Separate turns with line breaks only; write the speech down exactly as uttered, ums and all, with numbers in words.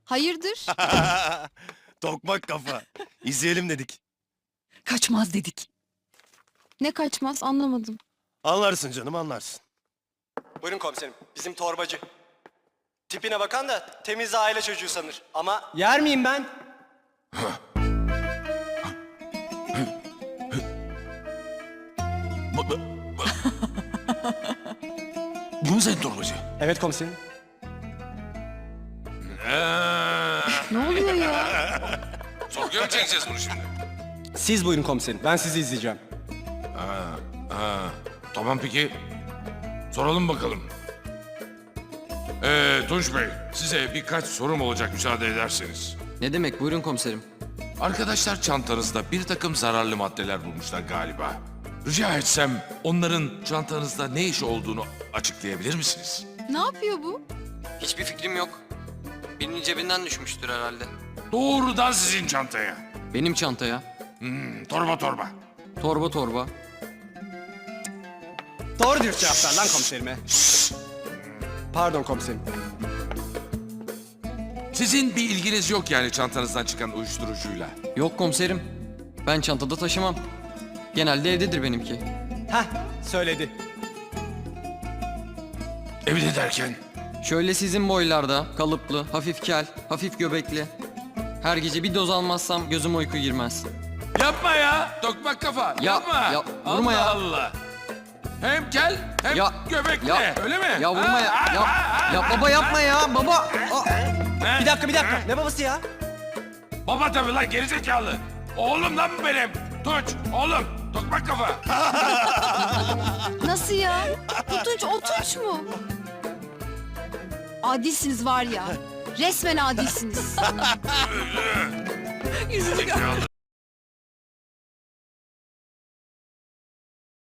Hayırdır?
Tokmak kafa. İzleyelim dedik.
Kaçmaz dedik.
Ne kaçmaz anlamadım.
Anlarsın canım, anlarsın.
Buyurun komiserim. Bizim torbacı. Tipine bakan da temiz aile çocuğu sanır. Ama yer miyim ben?
Bu, bu, bu. Bu mu senin torbacı?
Evet komiserim.
Ee,
Ne oluyor ya?
sorguya mı çekeceğiz bunu şimdi?
Siz buyurun komiserim. Ben sizi izleyeceğim.
Ha, tamam peki. Soralım bakalım. Ee, Tunç Bey, size birkaç sorum olacak müsaade ederseniz.
Ne demek? Buyurun komiserim.
Arkadaşlar çantanızda bir takım zararlı maddeler bulmuşlar galiba. Rica etsem onların çantanızda ne iş olduğunu açıklayabilir misiniz?
Ne yapıyor bu?
Hiçbir fikrim yok. Birinin cebinden düşmüştür herhalde.
Doğrudan sizin çantaya.
Benim çantaya.
Hmm, torba torba.
Torba torba.
Doğru dürüst cevap ver lan komiserime. Pardon komiserim.
Sizin bir ilginiz yok yani çantanızdan çıkan uyuşturucuyla.
Yok komiserim. Ben çantada taşımam. Genelde evdedir benimki.
Heh, söyledi.
Evde derken?
Şöyle sizin boylarda, kalıplı, hafif kel, hafif göbekli. Her gece bir doz almazsam gözüm uyku girmez.
Yapma ya, tokmak kafa,
Ya,
yapma.
ya, vurma
Allah
ya.
Allah. Hem kel hem
Ya,
göbekli,
ya,
öyle mi?
Ya vurma
Ha,
ya.
ha,
Ya,
ha, ha.
ya baba yapma ya. Baba. Aa.
Bir dakika bir dakika. Ne babası ya?
Baba tabii lan gerizekalı. Oğlum lan bu benim. Tunç, oğlum, tokmak kafa.
Nasıl ya? Bu Tunç o Tunç mu? Adilsiniz var ya. Resmen adilsiniz.
Gerizekalı.